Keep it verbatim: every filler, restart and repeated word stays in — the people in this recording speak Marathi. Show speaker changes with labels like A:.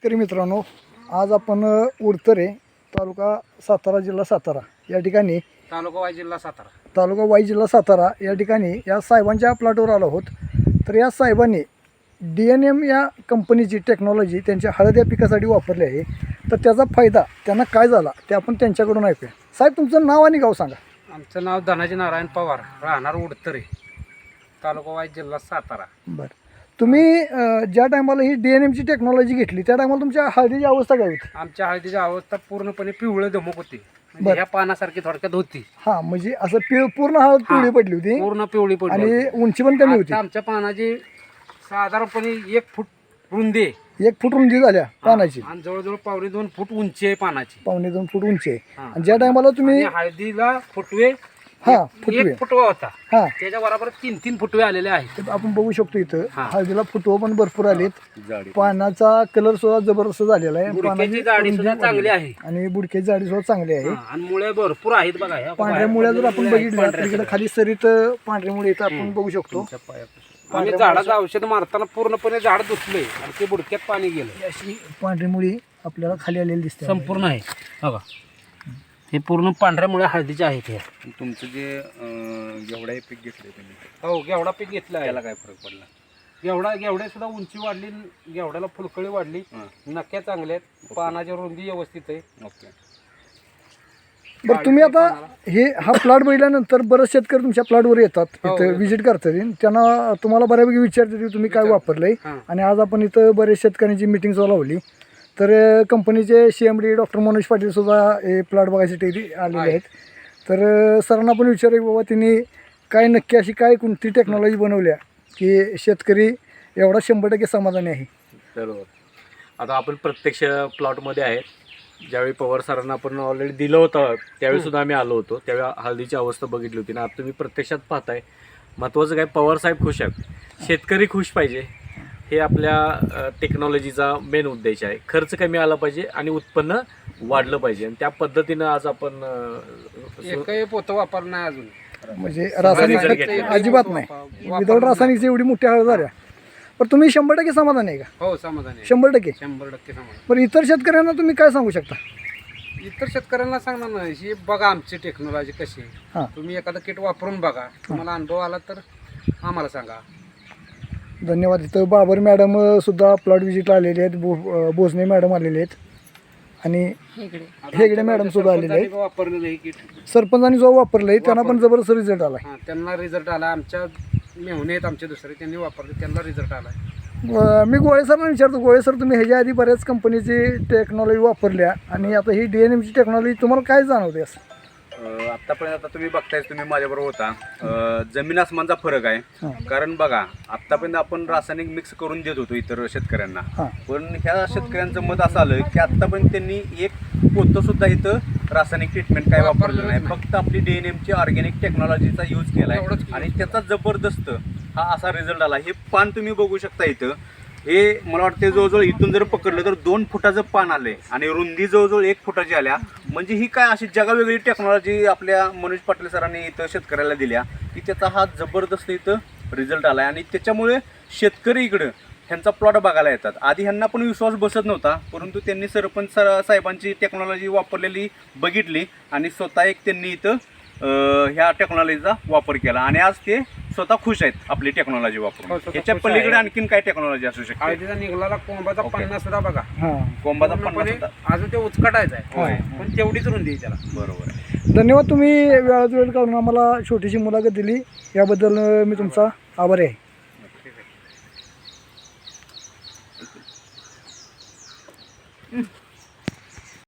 A: शेतकरी मित्रांनो, आज आपण उडतरे तालुका सातारा जिल्हा सातारा या ठिकाणी
B: तालुका वाई जिल्हा सातारा
A: तालुका वाई जिल्हा सातारा या ठिकाणी या साहेबांच्या प्लॉटवर आलो आहोत. तर या साहेबांनी डी एन एम या कंपनीची टेक्नॉलॉजी त्यांच्या हळद या पिकासाठी वापरली आहे. तर त्याचा फायदा त्यांना काय झाला ते आपण त्यांच्याकडून ऐकूया. साहेब, तुमचं नाव आणि गाव सांगा.
B: आमचं नाव धनाजी नारायण पवार, राहणार उडतरे, तालुका वाई जिल्हा सातारा.
A: बरं, तुम्ही अं, ज्या टायमाला ही डी एन एमची टेक्नॉलॉजी घेतली त्या टायमाला तुमच्या हळदीची अवस्था काय होती?
B: आमच्या हळदीची अवस्था पूर्णपणे पिवळे धमक होती, म्हणजे
A: बरं.
B: ह्या पानासारखी थोडक्यात होती.
A: हां, म्हणजे असं पिव पूर्ण हळद पिवळी पडली होती
B: पूर्ण पिवळी पडली
A: आणि उंची पण कमी होती.
B: आता आमच्या पानाची साधारणपणे एक फूट रुंदी आहे.
A: एक फूट रुंदी झाल्या पानाची
B: आणि जवळजवळ पावणे दोन फूट उंची आहे पानाची.
A: पावणे दोन फूट उंची आहे.
B: हां.
A: आणि ज्या टायमाला तुम्ही
B: आणि हळदीला फुटवे
A: हा
B: एक-
A: फुटवे
B: एक फुटवा होता,
A: हा
B: त्याच्या बरोबर तीन तीन फुटवे आलेले आहेत.
A: तर आपण बघू शकतो इथं
B: हा.
A: हळदीला फुटवं पण भरपूर आलेत. पानाचा कलर सुद्धा जबरदस्त झालेला आहे.
B: बुडक्याची जाडी सुद्धा चांगली आहे.
A: आणि बुडक्याची जाडी सुद्धा चांगली आहे.
B: हां, आणि मुळे भरपूर आहेत बघा. ह्या
A: पांढऱ्या मुळ्या जर आपण
B: मुळे आहेत
A: बघितल्या तर
B: पांढऱ्या
A: इकडे खाली सरीत पांढऱ्या मुळे इथं आपण बघू शकतो.
B: आम्ही झाडाचं औषध मारताना पूर्णपणे झाड दुसले आणि ते बुडक्यात पाणी गेलं.
A: अशी पांढरी मुळी आपल्याला खाली आलेली दिसते.
B: संपूर्ण आहे बघा, हे पूर्ण पांढऱ्या मुळे हळदीचे आहेत. हे
C: तुमचं जे अं, घेवडा हे पीक घेतलं तुम्ही,
B: हो, घेवडा पीक घेतला आहे.
C: त्याला काय फरक पडला?
B: घेवडा घेवड्या सुद्धा उंची वाढली, घेवड्याला फुलकळी वाढली,
C: हां.
B: नक्या चांगल्या आहेत, पानाची रुंदी व्यवस्थित आहे.
C: ओके.
A: बरं, तुम्ही आता हे हा प्लॉट बघितल्यानंतर बरेच शेतकरी तुमच्या प्लॉटवर येतात,
B: हो,
A: इथं
B: येतात.
A: व्हिजिट करतात. त्यांना तुम्हाला बऱ्यापैकी विचारतात की तुम्ही काय वापरलंय.
B: हां.
A: आणि आज आपण इथं बरेच शेतकऱ्यांची मिटिंग लावली. तर कंपनीचे C M D doctor Manoj Patil सुद्धा हे प्लॉट बघायसाठी इथे आलेले आहेत. तर अं, सरांना पण विचार की बाबा त्यांनी काय नक्की अशी काय कोणती टेक्नॉलॉजी बनवल्या की शेतकरी एवढा शंभर टक्के समाधानी आहे.
D: बरोबर. आता आपण प्रत्यक्ष प्लॉटमध्ये आहेत. ज्यावेळी पवार सरांना आपण ऑलरेडी दिलं होतं त्यावेळी सुद्धा आम्ही आलो होतो. त्यावेळी हळदीची अवस्था बघितली होती ना. आता तुम्ही प्रत्यक्षात पाहताय. महत्त्वाचं काय, पवार साहेब खुश आहेत, शेतकरी खुश पाहिजे, हे आपल्या टेक्नॉलॉजीचा मेन उद्देश आहे. खर्च कमी आला पाहिजे आणि उत्पन्न वाढलं पाहिजे. आणि त्या पद्धतीनं आज आपण अं,
B: एकही पोतं वापरलं नाही अजून.
A: म्हणजे रासायनिक
D: result
A: खत
D: घेतला.
A: अजिबात नाही. विदाऊट रासायनिकची एवढी मोठी हळद झाल्या. पण तुम्ही शंभर टक्के समाधान आहे का?
B: हो, समाधान आहे,
A: शंभर टक्के.
B: शंभर टक्के समाधान.
A: पण इतर शेतकऱ्यांना तुम्ही काय सांगू शकता?
B: इतर शेतकऱ्यांना सांगणार नाही, ही बघा आमची टेक्नॉलॉजी कशी आहे.
A: हां,
B: तुम्ही एखादं किट वापरून बघा, तुम्हाला अनुभव आला तर आम्हाला सांगा.
A: धन्यवाद. इथं बाबर मॅडम सुद्धा प्लॉट व्हिजिटला आलेले आहेत. भो अं, भोसने मॅडम आलेले आहेत आणि हेगडे मॅडम सुद्धा आलेले आहेत.
B: वापरलेलं हे किट,
A: सरपंचांनी जो वापरलाय त्यांना पण जबरदस्त रिझल्ट आलाय.
B: हां, त्यांना रिझल्ट आला. आमच्या मेहुणे आहेत आमचे दुसरे, त्यांनी वापरले, त्यांना रिझल्ट आला.
A: अं, मी गोळे सरना विचारतो, गोळे सर, तुम्ही ह्याच्या आधी बऱ्याच कंपनीची टेक्नॉलॉजी वापरल्या आणि आता ही डी एन एमची टेक्नॉलॉजी तुम्हाला काय जाणवते असं?
C: अं, आत्तापर्यंत आता तुम्ही बघतायच, तुम्ही माझ्याबरोबर होता, अं, जमीन आसमानचा फरक आहे.
A: हां.
C: कारण बघा, आत्तापर्यंत आपण रासायनिक मिक्स करून देत होतो इतर शेतकऱ्यांना,
A: हां.
C: पण ह्या शेतकऱ्यांचं मत असं आलं की आत्तापर्यंत त्यांनी एक पोतं सुद्धा इथं रासायनिक ट्रीटमेंट काय वापरलं नाही. फक्त आपली डी एन एमची ऑर्गॅनिक टेक्नॉलॉजीचा यूज केला
B: एवढंच
C: आहे
B: केलं.
C: आणि त्याचा जबरदस्त हा असा रिझल्ट आला. हे पान तुम्ही बघू शकता इथं. हे मला वाटते जवळजवळ इथून जर पकडलं तर दोन फुटाचं पान आलंय आणि रुंदी जवळजवळ एक फुटाची आल्या. म्हणजे ही काय अशी जगावेगळी टेक्नॉलॉजी आपल्या मनोज पाटील सरांनी इथं शेतकऱ्याला दिल्या की त्याचा हा जबरदस्त इथं रिझल्ट आला आहे. आणि त्याच्यामुळे शेतकरी इकडं ह्यांचा प्लॉट बघायला येतात. आधी ह्यांना पण विश्वास बसत नव्हता, परंतु त्यांनी सरपंच सर साहेबांची टेक्नॉलॉजी वापरलेली बघितली आणि स्वतः एक त्यांनी इथं अं, ह्या टेक्नॉलॉजीचा वापर केला आणि आज ते स्वतः खुश आहेत आपली टेक्नॉलॉजी
B: हो,
C: वापरून.
B: स्वतः
C: याच्या
B: खुश
C: पलीकडे
B: आहे.
C: आणखीन काय टेक्नॉलॉजी असू शकते?
B: हळदीचा निघाला कोंबाचा
C: ओके.
B: पन्नास सुद्धा बघा,
A: हां,
C: कोंबाचा
B: पूर्णपणे
C: पन्नास सुद्धा.
B: अजून ते उचकटायचं
C: होय.
B: आहे, पण तेवढीच रुंदी आहे त्याला.
C: बरोबर आहे.
A: धन्यवाद. तुम्ही वेळात वेळ काढून आम्हाला छोटीशी मुलाखत दिली, याबद्दल अं, मी तुमचा आभारी आहे.